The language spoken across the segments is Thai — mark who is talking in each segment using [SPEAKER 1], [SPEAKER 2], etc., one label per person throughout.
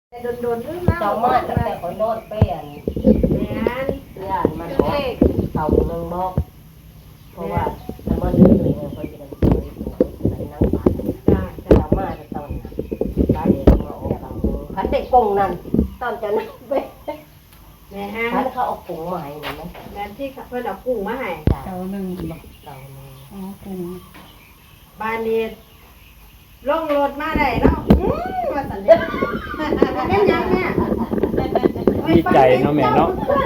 [SPEAKER 1] แต่โดนๆนึงแล้ว
[SPEAKER 2] เจ้ามาตั้งแต่คอยนอนเปลี่ยน
[SPEAKER 1] แม่น
[SPEAKER 2] ย่านมันบอกเต่าหนึ่งบอกเพราะว่าถ้ามันดื้อเลยคอยจะได้คอยตัวไปนั่งปานเจ้ามาจะตอนนั้นบ้านเด็กมาออกเต่าขันได้กงนั่นตอนจะนั่งไป
[SPEAKER 1] แม่ฮะ
[SPEAKER 2] ขันเขาเอากงมาให้เห็นไหม
[SPEAKER 1] แม่ที่เพิ่นเอากุ้งมาให้
[SPEAKER 2] จ้า
[SPEAKER 3] เต่าหนึ่งบอก
[SPEAKER 2] เต่าหนึ่ง
[SPEAKER 3] อ๋อกุ้ง
[SPEAKER 1] บ้านนี้ลงรถมาได้แล้วว่าสันเด้อแม่นยังแม่
[SPEAKER 4] ดีใจเนาะแม่เนาะ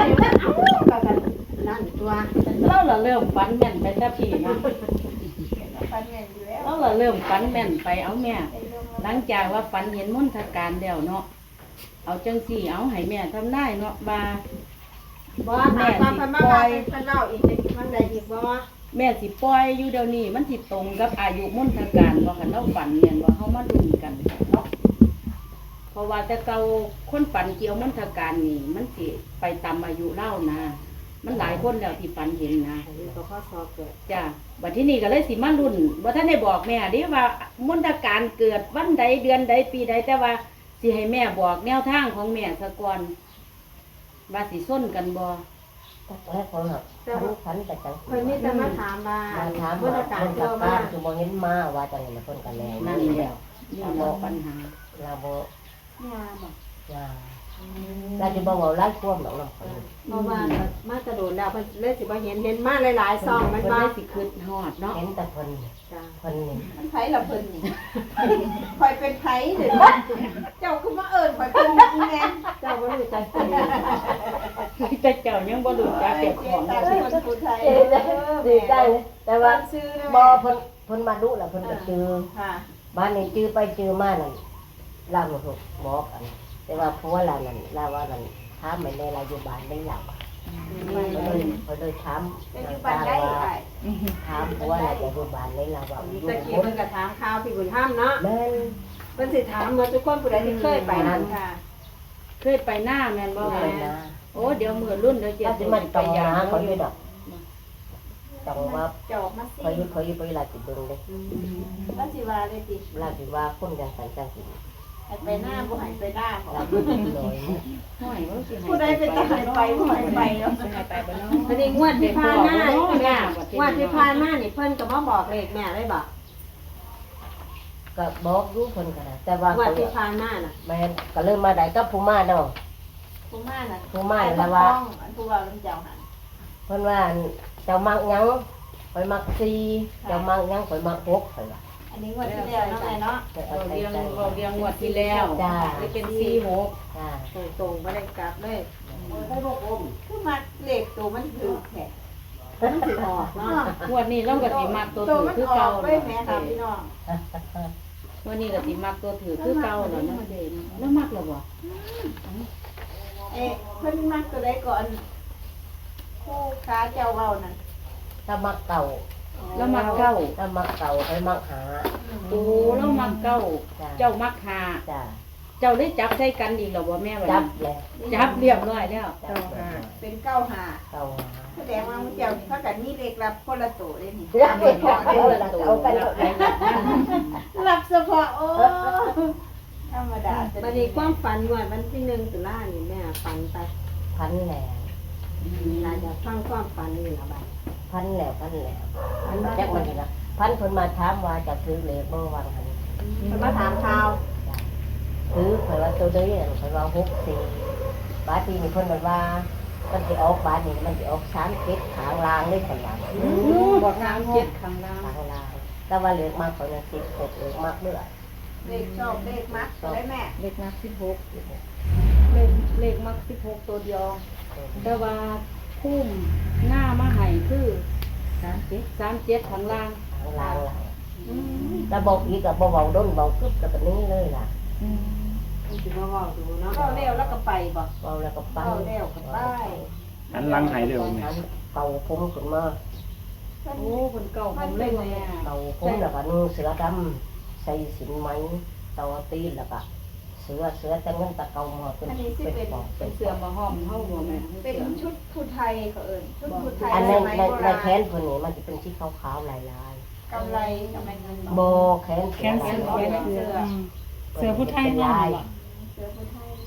[SPEAKER 1] นั่นตัว
[SPEAKER 3] เราละเริ่มฝันแม่นไปแต่พี่เนาะ
[SPEAKER 1] ฟันแม่นอยู่แล้ว
[SPEAKER 3] เราละเริ่มฝันแม่นไปเอาแม่ หลังจากว่าฝันเห็นมนทการแล้วเนาะเอาจังสี่เอาให้แม่ทำได้เนาะบา
[SPEAKER 1] บ่ถามว่าเพิ่นมาว่าเพิ่นเล่าอีกมันได้อีกบ่
[SPEAKER 3] แม่สิปล่อยอยู่เดี๋ยวนี้มันสิตรงกับอายุมนทการบ่คันเราฝันเนี่ยว่าเฮามาลุ้นกันเนาะเพราะว่าแต่เก่าคนฝันเกี่ยวมนทการนี่มันสิไปตามอายุเล่านะมันหลายคนแล้วที่ฝันเห็นนะ
[SPEAKER 1] อันนี้ก็ข้อสอบเกิด
[SPEAKER 3] จ้ะบัดที่นี่ก็เลยสิมารุ่นว่าท่านได้บอกแม่เดิว่ามนตการเกิดวันใดเดือนใดปีใดแต่ว่าสิให้แม่บอกแนวทางของแม่ซะก่อนว่าสิส้นกันบ่
[SPEAKER 2] แล้วเขาหักขันแต่จัง
[SPEAKER 1] เพิ่นมีแต่มาถามว่า
[SPEAKER 2] มาถาม
[SPEAKER 1] บร
[SPEAKER 2] ว่าร
[SPEAKER 1] ยากาศ
[SPEAKER 2] คน
[SPEAKER 1] เกี่
[SPEAKER 2] กั
[SPEAKER 1] ย
[SPEAKER 2] บ
[SPEAKER 1] ว
[SPEAKER 2] บ้าม
[SPEAKER 1] าน
[SPEAKER 2] คือมองเห็นมาว่าจังมาคนกันแล้ว
[SPEAKER 3] นั่นแหละนี่เราปัญหา
[SPEAKER 2] เราบ่
[SPEAKER 1] เนี่ยบอก
[SPEAKER 2] ว่าเราจะบอกว่าไล่ควมหรอกเนาะ
[SPEAKER 1] เพราะว่ามาจะโดนแล้วเพิ่นเลยสิบ่เห็นมาหลายๆซองมัน
[SPEAKER 3] เพิ่น
[SPEAKER 1] ว่า
[SPEAKER 3] ได้สิคืดฮอดเนาะ
[SPEAKER 2] เห็นแต่คน
[SPEAKER 1] จ้ะ
[SPEAKER 2] คนนี่
[SPEAKER 5] มันไผละเพิ่นนี่ คอยเป็นไผเด้อเจ้าคือมาเอิ้นคอยเป็นอีแม่
[SPEAKER 1] เจ้าบ่รู้จักเพิ่น
[SPEAKER 3] แต่เจ้ายังบ่รู้จักเก็บของ
[SPEAKER 5] ตาคนผู้ไทย
[SPEAKER 2] ดีใจเลยแต่ว่า
[SPEAKER 5] ซื้อนะ
[SPEAKER 2] บ่
[SPEAKER 5] แม่
[SPEAKER 2] เพิ่นมาดูแล้วเพิ่นก็จือ
[SPEAKER 5] ค่ะ
[SPEAKER 2] บ้านนี้จือไปจือมานั่นลาบ่ถูกบอกอันแต่ว่าผัวเรานั่นลาว่านั่นถามไม่ได้เราอยู่บ้านได้หลับเขาเลยถาม
[SPEAKER 5] เป็นอยู่บ้านได้ไอ้
[SPEAKER 2] ถามผัวเราจะอยู่บ้านได้เราว่าอยู่
[SPEAKER 1] ตะกี้เพิ่นก็ถามข่าวพี่บุญธรรมเนาะ
[SPEAKER 2] แม่น
[SPEAKER 1] เพิ่นสิถามหมดทุกคนผู้ใดที่เคยไปนั่น
[SPEAKER 5] ค่ะ
[SPEAKER 3] เคยไปหน้าแม่นบ่
[SPEAKER 2] ไปนะ
[SPEAKER 3] โอ้เดี๋ยวมื้อรุ่นเดี๋ยว
[SPEAKER 2] ถ้า
[SPEAKER 3] เจ็
[SPEAKER 2] สิ
[SPEAKER 3] ด
[SPEAKER 2] มัน
[SPEAKER 3] ไป
[SPEAKER 2] ต้อง
[SPEAKER 3] ยา
[SPEAKER 2] หาเขาอยู่ดอกต้องว่า
[SPEAKER 5] เจ้ามาสิ
[SPEAKER 2] เขาอยู่ไปลาสิเบิ่งเด้
[SPEAKER 5] ว่าสิว่าได้ติ
[SPEAKER 2] ลาสิว่าคนจังสันจังสิ
[SPEAKER 5] ให้ไปหน้าบ่ให้ไปหน้าของ
[SPEAKER 2] เราบ่สิลอย
[SPEAKER 3] ห้อยว่าสิให้
[SPEAKER 5] ผู้ใดเป็นตาให้ไปบ่ให้ไปเนาะ
[SPEAKER 3] สิให้ไปบ่เนาะ
[SPEAKER 1] พอดีงวดที่ผ่านมา
[SPEAKER 3] เด็กบอกเนาะ
[SPEAKER 1] งวดที่ผ่านมานี่เพิ่นก็มาบอกเลขแม่เลยบอก
[SPEAKER 2] ก็บอกอยู่เพิ่นก็ได้แต่ว่าง
[SPEAKER 1] วด
[SPEAKER 2] เขา
[SPEAKER 1] ที่ผ่านมาน่ะ
[SPEAKER 2] แม่นก็เริ่มมาได้กับผู้มาเนาะ
[SPEAKER 5] ผู้มาน่ะ
[SPEAKER 2] ผู้มา
[SPEAKER 5] ไอ้
[SPEAKER 2] แล้ว
[SPEAKER 5] ว่า
[SPEAKER 2] ว่า
[SPEAKER 5] อันผู้ว่าลำเจ้าหั่น
[SPEAKER 2] เพิ่นว่าเจ้ามักหยังข่อยมัก4เจ้ามักหยังข่อยมัก6ข่อยว่า
[SPEAKER 5] อันนี้งวดที่แล้วเนาะไอ้เนาะ
[SPEAKER 2] แต่
[SPEAKER 3] เรา
[SPEAKER 2] เอาใจ
[SPEAKER 3] เรียง
[SPEAKER 2] ใจ
[SPEAKER 3] เราเรียงงวดที่แล้วเลยเป็น46
[SPEAKER 2] จ้า
[SPEAKER 1] ตรงๆบ่ได้กลับเลย
[SPEAKER 2] ได้บ่อม
[SPEAKER 5] คือมาเลขตัวมันถูกแท้
[SPEAKER 1] มันสิออกเนาะ
[SPEAKER 3] งวดนี้เราก็สิมักตัว
[SPEAKER 5] ตัว
[SPEAKER 3] ถือ
[SPEAKER 5] มัน
[SPEAKER 3] คือ
[SPEAKER 5] ออ
[SPEAKER 3] เก่าก
[SPEAKER 5] ไปแม่ค่ะพี่น้อง
[SPEAKER 3] งวดนี้ก็สิมักตัวถือคือเก่าแล้วเนาะแล้วมักแล้วบ่
[SPEAKER 5] เอ๊ะเพิ่นมักตัวใดก่อนคู่ค้าเจ้าเว้านั่น
[SPEAKER 2] ถ้ามักเก่า
[SPEAKER 3] แล้วมักเก่า
[SPEAKER 2] ถ้ามักเก่าข่อยมักหา
[SPEAKER 3] โอ้แล้วมักเก่า
[SPEAKER 2] จ้า
[SPEAKER 3] เจ้ามักหา
[SPEAKER 2] จ้า
[SPEAKER 3] เจ้าได้จับใส่กันอีกแล้วบ่แม่ว่า
[SPEAKER 2] จับแล้ว
[SPEAKER 3] จับเรียบร้อยแล้ว
[SPEAKER 2] จับแล้ว
[SPEAKER 5] เป็น95
[SPEAKER 2] เก่าหา
[SPEAKER 5] แสดงว่ามื้อเจ้าถ้ากันมีเลขรับคนละตัวเลยนี่
[SPEAKER 2] เอาไปพอเอากันเอาไป
[SPEAKER 5] รับเฉพาะโอ้ธรรมดา
[SPEAKER 1] บัดนี้ความฝันงวดวันที่1ตุลานี่แม่ฝันไป
[SPEAKER 2] พันแล้ว
[SPEAKER 1] น่าจะฟังความฝันนี่ล่ะบัด
[SPEAKER 2] พันแล้วพันจักมันนี่ล่ะพันเพิ่นมาถามว่าจะถือเลขบ่วางหั่น
[SPEAKER 1] เพิ่นมาถามข่าว
[SPEAKER 2] ถือข่อยว่าตัวใดนั่นข่อยว่า64บาทที่นี่เพิ่นว่ามันสิออกบาทนี่มันสิออก37ขางล่างเลยเพิ่นว่า
[SPEAKER 3] บอกทาง7ข้างล่าง
[SPEAKER 2] ขางล่างแต่ว่าเลขมากข่อยน่ะ16เลขมากเด้อ
[SPEAKER 5] เลขชอบเลขมักได้แม่
[SPEAKER 3] เลขมัก16เลขมัก16ตัวเดียว แต่ว่าพุ่มหน้ามาให้คือ37ข้างล่าง
[SPEAKER 2] ขางล่างล่ะแล้วบอกอีกก็บ่เว้าดนเว้ากึบแล้วก็นี้เลยล่ะ
[SPEAKER 1] เพิ่นสิมาเว้าดูเนาะ
[SPEAKER 5] ก็เร็วแล้วก็ไปบ่
[SPEAKER 2] เว้าแล้วก็ไป
[SPEAKER 5] เอาเร็วก็ไป
[SPEAKER 4] หันหลังให้เร็วนี่
[SPEAKER 2] เก่าผมขึ้นมา
[SPEAKER 3] โอ้คนเก่าผมเล่นแม่
[SPEAKER 2] เก่าผมแล้วก็นุ่งเสื้อดำใส่สินไหมเตาตีนแล้วก็เสื้อแต่เงินตะเกามาเป็นปอก
[SPEAKER 3] เป็นเสือมาห้อมเฮาบ่แม่
[SPEAKER 5] เป็นชุดผู้ไทยเขาเอิ้นชุดผู้ไทย
[SPEAKER 2] อัน
[SPEAKER 5] ส
[SPEAKER 2] นั้น
[SPEAKER 5] มัย
[SPEAKER 2] ใน
[SPEAKER 5] โบ
[SPEAKER 2] ใน
[SPEAKER 5] ราณ
[SPEAKER 2] แขนคนนี้มันจะเป็นสีขาวๆลาย
[SPEAKER 5] กำไรกำไรเงิน
[SPEAKER 2] ๆโบแขน
[SPEAKER 3] แขนเสือ
[SPEAKER 5] เสื้อ
[SPEAKER 3] เสือผู้ไทย
[SPEAKER 2] ลาย
[SPEAKER 5] เสื้อผู้ไทย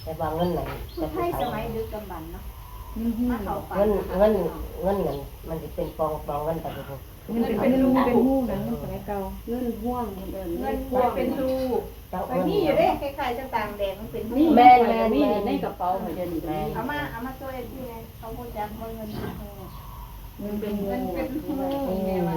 [SPEAKER 2] แต่ว่าเงินไหน
[SPEAKER 5] ผู้ไทยสมัยดึกดำบรรพ์เนาะมาเข้าฝัน
[SPEAKER 2] เงินนั่นมันจะเป็นปองเงินแต่ดู
[SPEAKER 6] มันเป็นรูเป็นหูนะสมัยเก่า
[SPEAKER 3] เงินห่วงเดิน
[SPEAKER 5] เงินเป็นรู
[SPEAKER 2] เจ้า
[SPEAKER 5] ไปนี่อยู่เด้คล้ายๆจะต่างแดงมันเป็นรู
[SPEAKER 3] นี่แม่มีในกระเป๋าให้เดินอยู่
[SPEAKER 5] เอามาตัวเองที่ไงเขาพูดจำเงินเป็นรู
[SPEAKER 3] มันเป็นงู
[SPEAKER 5] มันเป็นรูแม่ว่า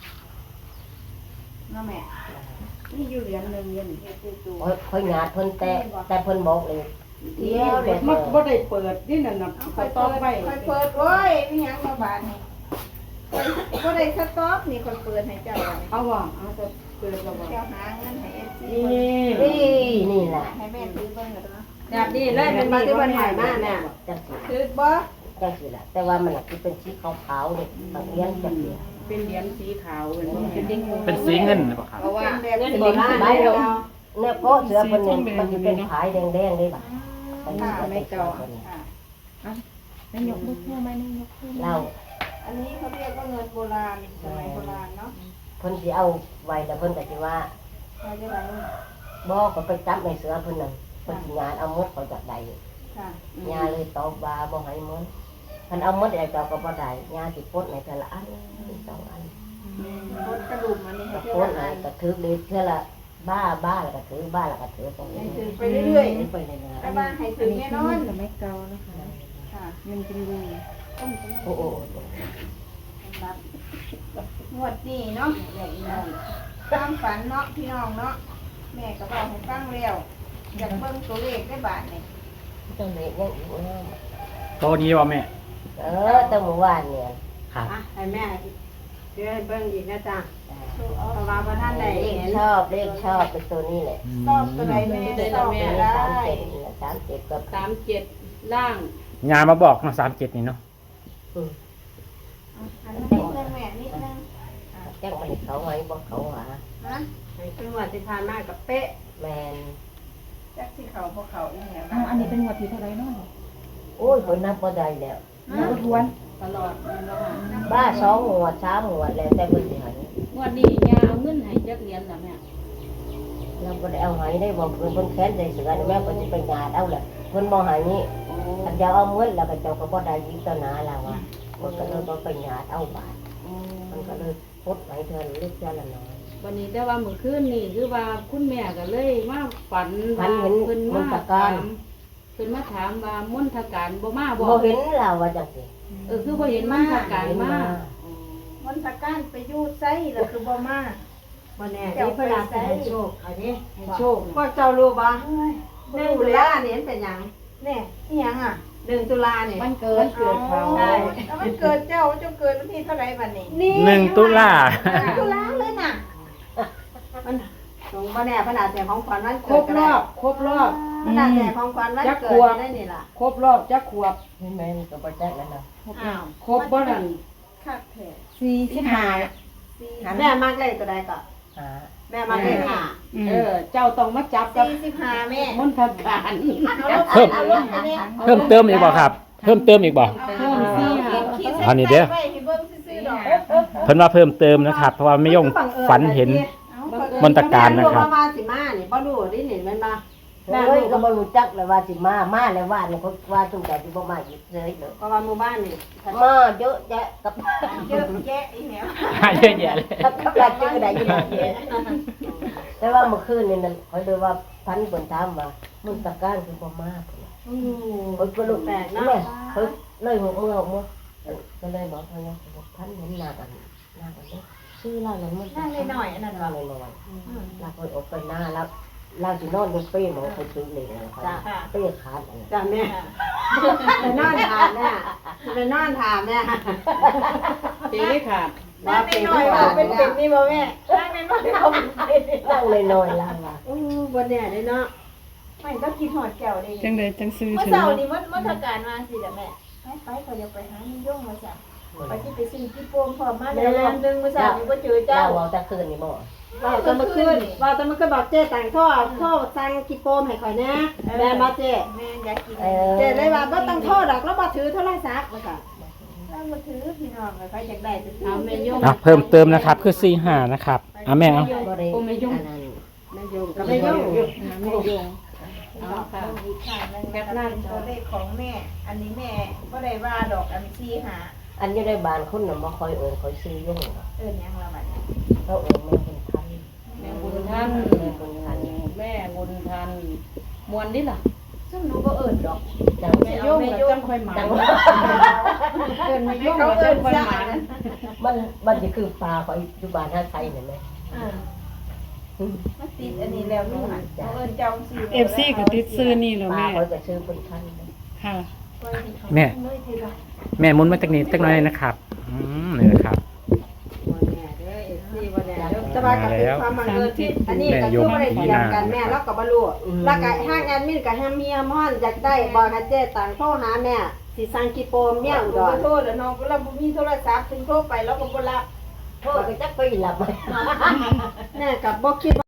[SPEAKER 5] เนาะแม่
[SPEAKER 3] นี่อยู่เหรียญนึงเงิน
[SPEAKER 5] เฮ็ดคือตัว
[SPEAKER 2] ค่อยงาดเพิ่นแต่เพิ่นบอกเลยเที่ยวเด็ด
[SPEAKER 3] มันบ่ได้เปิดนี่นั่นน่ะ
[SPEAKER 5] เอา
[SPEAKER 3] ไป
[SPEAKER 5] ค่อย
[SPEAKER 3] ต่อ
[SPEAKER 5] เปิด
[SPEAKER 3] ไป
[SPEAKER 5] ค่อยเปิดโอ้ยมีหยังมาบาดนี่ค่อยบ่ได้สต็อปนี่ค่อยเปิดให้เจ้าอันนี้
[SPEAKER 3] เอาว่าเอาจะเปิดแล้วว่า
[SPEAKER 5] เจ้าหาเงินให้ FC
[SPEAKER 2] นี่แหละ
[SPEAKER 5] ให้แม่ถือเบิ่งก็ได้
[SPEAKER 1] แบบนี้เลยเป็นมาที่วันใหม่มากเนี่ย
[SPEAKER 2] จังสิ
[SPEAKER 5] ถือบ่
[SPEAKER 2] จังสิล่ะแต่ว่ามันเป็นสีขาวๆนี่บางเลี้ยงจังสิ
[SPEAKER 3] เป็นเหรียญสีขาวเป็นเด้ง
[SPEAKER 4] เป็นสีเงินหรือเปล่าครับ
[SPEAKER 3] เพราะว่า
[SPEAKER 5] เป็นแบบ
[SPEAKER 1] เงิน
[SPEAKER 5] นี้
[SPEAKER 1] โบราณเลยเรา
[SPEAKER 2] เนี่ยเพราะเสือเพิ่นมันจะเป็นขายแดงๆได้บ่ะ
[SPEAKER 5] ค่ะ
[SPEAKER 2] ไม่เก่า
[SPEAKER 5] ค่ะ
[SPEAKER 6] นายกมือคู่ไหมนายกคู่
[SPEAKER 2] เรา
[SPEAKER 5] อันนี้เขาเรียกว่าเงินโบราณสมัยโบราณเนาะ
[SPEAKER 2] เพิ่นสิเอาไว้แล้วเพิ่นก็สิว่า
[SPEAKER 5] เขาจะไร
[SPEAKER 2] บ่ก็ไปจับในเสือเพิ่นนั่นเพิ่นสิงานเอาหมดเขาจากใด
[SPEAKER 5] ค่ะ
[SPEAKER 2] ยาเลยตอบว่าบ่ให้หมดเพิ่นเอาหมดได้เจ้าก็บ่ได้ยาสิปลดในแต่ละอัน2อัน
[SPEAKER 5] รถกระดุมอันนี้
[SPEAKER 2] ก็
[SPEAKER 5] เขา
[SPEAKER 2] ปล
[SPEAKER 5] เรีย
[SPEAKER 2] ด
[SPEAKER 5] ก
[SPEAKER 2] ให้
[SPEAKER 5] อะไร
[SPEAKER 2] ก็ถือเลยเทื่อละบ้าแล้วก็ถือบ้าแล้วก็ถือตรง
[SPEAKER 5] ให้
[SPEAKER 2] นี้
[SPEAKER 5] ถือไปเรื่อย
[SPEAKER 2] ไปเรื่อย
[SPEAKER 5] ๆแต่ว่าให้ถือแน่นอน
[SPEAKER 6] สมัยเก่านะคะ
[SPEAKER 5] ค่ะ
[SPEAKER 6] มันเป็นรู
[SPEAKER 2] ๆโอ้โห
[SPEAKER 5] รับงวดนี้เนาะความฝันเนาะพี่น้องเนาะแม่ก็บอกให้ฟังแล้วอยากเบิ่งตัวเลขได้บาทนี่
[SPEAKER 2] จังได๋ยังอีกนะ
[SPEAKER 4] โตนี้ว่าแม่
[SPEAKER 2] ตั้งเมื่อวานเนี่ย
[SPEAKER 4] ครับ
[SPEAKER 1] อ่ะให้แม่เดี๋ยวให้เบิ่งอีกนะจ๊ะ
[SPEAKER 5] สู้เอา
[SPEAKER 1] เพราะว่าพระท่านได้
[SPEAKER 2] เล
[SPEAKER 1] เห็
[SPEAKER 2] ข
[SPEAKER 1] น
[SPEAKER 2] ชอบเลขชอบเป็นตัวนี้แหละ
[SPEAKER 5] ชอบตัวไหนแม่ชอบตัวได้
[SPEAKER 2] 37ก็
[SPEAKER 3] 37ล่าง
[SPEAKER 4] ยามาบอกเนาะ37นี่เนาะ
[SPEAKER 5] อันนี้นิดนึงแม่นิดนึง
[SPEAKER 2] จังมันเขาไว้บ่เขาหา
[SPEAKER 5] นะ
[SPEAKER 1] ให้เป็นวันที่ผ่านมากับเป๊ะ
[SPEAKER 2] แมน
[SPEAKER 5] จักที่เขาพวกเขาอีเนี่ย
[SPEAKER 6] อันนี้เป็นหัวที่เท่าไรเนาะ
[SPEAKER 2] โอ้ยคนนับบ่ได้แล้ว
[SPEAKER 6] ทวน
[SPEAKER 3] ตลอดมันบ่ค่ะ
[SPEAKER 2] บ้า2หัว3หัวแล้วแต่เพิ่นสิให้
[SPEAKER 3] งวดนี้ยาเอาเงินให้จักเหรียญล่ะแม่
[SPEAKER 2] เราบ่ได้เอาให้ได้บ่เพิ่นแค้นใจเสือแม่เพิ่นสิไปญาติเอาแหละเพิ่นบ่ให้นี่ถ้าจะเอาเงินแล้วก็เจ้าก็บ่ได้อีกต่อหน้าแล้วอ่ะมันก็เลยบ่ไปญาติเอาบาทมันก็เลยพดให้เธอเล็กเท่าละน้อย
[SPEAKER 3] วันนี้แต่ว่าเมื่อคืนนี่คือว่าคุณแม่ก็เลยมาฝัน
[SPEAKER 2] ฝันเห็น
[SPEAKER 3] เพิ่น
[SPEAKER 2] ม
[SPEAKER 3] มาน
[SPEAKER 2] ตการ
[SPEAKER 3] ถามเพิ่นมาถามว่ามนทการบ่มาบ่
[SPEAKER 2] บ่เห็นเราว่าจังซี่
[SPEAKER 3] คือบ่เห็นมนทการมา
[SPEAKER 5] มนตการไปอยู่ไสแล้วคือบ่มา
[SPEAKER 1] วันนี้ที่พระราชให้โชคอันนี้
[SPEAKER 3] ให้โชค
[SPEAKER 1] พวกเจ้ารู้บ่
[SPEAKER 5] เอ้ย
[SPEAKER 1] 1 ตุลาเนี่ยเป็นหยัง
[SPEAKER 5] แน่อีหยังอ่ะ
[SPEAKER 1] 1 ตุลาเนี่ย
[SPEAKER 3] มันเกิดเขา
[SPEAKER 1] ได้
[SPEAKER 5] แล้วมันเกิดเจ้าเกิดวันที่เท่าไหร่บัดนี้
[SPEAKER 4] 1 ตุลา
[SPEAKER 5] ตุลาเลยน่ะ
[SPEAKER 1] มันสงบ่แน่พระราชของขวัญวัน
[SPEAKER 3] คร
[SPEAKER 1] เกิด
[SPEAKER 3] บรอบครบรอบ
[SPEAKER 1] พระราชของขวัญวัน
[SPEAKER 3] จัก
[SPEAKER 1] เกิ
[SPEAKER 3] ขว
[SPEAKER 1] ด
[SPEAKER 3] บ
[SPEAKER 1] ได้นี่ล่ะ
[SPEAKER 3] ครบรอบจักขวบ
[SPEAKER 2] เห็นไหมมันก็บ่จักแล้วนะ
[SPEAKER 5] อ้าว
[SPEAKER 3] ครบบ่นั่น
[SPEAKER 5] คักแท้
[SPEAKER 6] 45
[SPEAKER 1] แม่มักเลขตัวใดก็
[SPEAKER 2] หา
[SPEAKER 1] แม่มักเลขห้า
[SPEAKER 3] เจ้าต้องมาจับกับ
[SPEAKER 5] 45แม่
[SPEAKER 3] มนทการ
[SPEAKER 5] เอาลงอันนี้
[SPEAKER 4] เพิ่มเติมอีกบ่ครับ เพิ่มเติมอีกบ่
[SPEAKER 3] เพิ่มสี่หา
[SPEAKER 4] อันนี้เด้อ
[SPEAKER 5] ไว้ให้เบิ่งซื่อๆดอก
[SPEAKER 4] เพิ่นว่าเพิ่มเติมนะครับ เพราะว่าไม่ยงฝันเห็น มนตการนะครับ
[SPEAKER 1] แม่ว่าสิมานี่บ่รู้ดินี่แม่นบ่
[SPEAKER 2] เฮ้ยก็บ่รู้จักเลยว่าสิมาแล้วว่านี่เขาว่าจุงใจสิบ่มาอีกเลยเด้อ
[SPEAKER 1] เพราะว่าหมู่บ้านนี่
[SPEAKER 2] มาเยอะแยะกับ
[SPEAKER 5] เยอะแยะอีแหว
[SPEAKER 4] เยอะแยะเลย
[SPEAKER 2] กับหลายชื่อได้อยู่แต่ว่าเมื่อคืนนี่นั่นเขาเลยว่าพันเพิ่นถามว่ามึงตะการคือบ่มาเพิ่น
[SPEAKER 1] อืม
[SPEAKER 2] เพิ่นก็รู้แปลกนะเพิ่นเลย6มื้อก็เลยบอกเพิ่นว่าพันเห็นหน้ากันชื่อเรานั้นมัน
[SPEAKER 5] นั่งหน่อยๆอันนั้น
[SPEAKER 2] หน้า
[SPEAKER 5] เนาะ
[SPEAKER 2] น้อยๆเราก็ออกไปหน้าแล้วเราสินอนอยู่เป้หมอไปซื้อเลยนะครับเป้ขาดอันนั้น
[SPEAKER 1] จ้ะแม่ไปนอนถามแม่ไปนอนถามแม่
[SPEAKER 3] เจ๊ได้ขาด
[SPEAKER 5] นั่งหน่อยๆว่าเป็นนี่บ่แม่นั่งหน่อยๆเอาเป็น
[SPEAKER 2] นั่งเลยน้อยล่างว่า
[SPEAKER 1] อู้บ่แน่เด้เนาะ
[SPEAKER 5] ไม่ต้องกินหอดแก้วได้
[SPEAKER 6] จังไดจังซื้อ
[SPEAKER 5] เมื่อ
[SPEAKER 6] ถึง
[SPEAKER 5] เช้านี้มดการมาสิจ้ะแม่ไปเขาจะไปหานิยงมาจ้ะไปที่ไปซื้อที่โป่งพร้อมมาแล้วรอบนึงเมื่อเช้านี้บ่เจอเจ้า
[SPEAKER 2] เราเอาแต่คืนนี่บ่
[SPEAKER 1] ว่าจะมาขึ้นว่าจะมาขึ้นบอกเจ๊แต่งท่อสั่งกิโปมให้ข่อยนะแม่มาเจ๊
[SPEAKER 5] แม่อยากกิน
[SPEAKER 1] เจ๊เลยว่าบ่ต้องโทษดอกแล้วบ่ถือโทรศัพท์ว่าซั่น
[SPEAKER 5] แล้วมาถือพี่น้องใครอยากได้จะซื้
[SPEAKER 3] เอาแม่ยง
[SPEAKER 4] เพิ่มเติมนะครับ คือ45นะครับแม่เอา
[SPEAKER 2] บ่ได้อันนั้น
[SPEAKER 1] แม่ยงก็ไม่ยุ่ง
[SPEAKER 6] ไม่ยง
[SPEAKER 3] เอาค่ะ
[SPEAKER 5] อีกครั้งหนึงนะคะเป็นตัวเลขของแม่ อันนี้แม่บ่ได้ว่าดอกอันซี่หา
[SPEAKER 2] อันอยู่ในบ้านคนน่ะบ่ค่อยเอิ้นค่อยซื้อยุ่งหรอก
[SPEAKER 5] เอิ้นหยังละบัดนี้
[SPEAKER 2] เขาเอิ้นแม่คนทัน
[SPEAKER 3] แม่บุญทัน
[SPEAKER 2] แม่บุญทัน
[SPEAKER 3] แม่บุญทันมวนดิล่ะ
[SPEAKER 5] ซึ่งหนูบ่เอิ้นดอก
[SPEAKER 2] จัง
[SPEAKER 3] แม่ย่งแล้วจังค่อยหมา
[SPEAKER 2] จัง
[SPEAKER 3] เอิ้นแม่ย่งแล้วจังค่อยหมา
[SPEAKER 2] มันสิคือปลาของอยู่บ้านหาไสนั่นแหละ
[SPEAKER 5] มันติดอันนี้แล้วหนูหันหนูเอิ้นเจ้าซี่
[SPEAKER 7] เอฟซีก็ติดซื้อนี่แล้ว
[SPEAKER 2] ปลา
[SPEAKER 7] แม่
[SPEAKER 2] เขาก็ซื้อคนทัน
[SPEAKER 7] ค่ะ
[SPEAKER 4] แม่แม่หมุนมาจากนี้ตั้งน้อยนะครับนี่นะครับ
[SPEAKER 1] จะว่ากับเป็นความบังเอิญที่อันนี้ก็คือบ่ได้เถียงกันแม่แล้วก็บ่รู้แล้วก็ห้างแอดมินก็ห้ามเมียม่อนอยากได้บอกให้เจ๊ตังโทรหาแม่สิสั่งกิโปมเมียอุด
[SPEAKER 5] ขอ
[SPEAKER 1] ร
[SPEAKER 5] โทษแล้วน้องก็เราบ่มีโทรศัพท์ถึงโทรไปแล้วก็บ่รับ
[SPEAKER 2] โทษก็จักไปหลับ
[SPEAKER 1] แม่ก็บ่คิด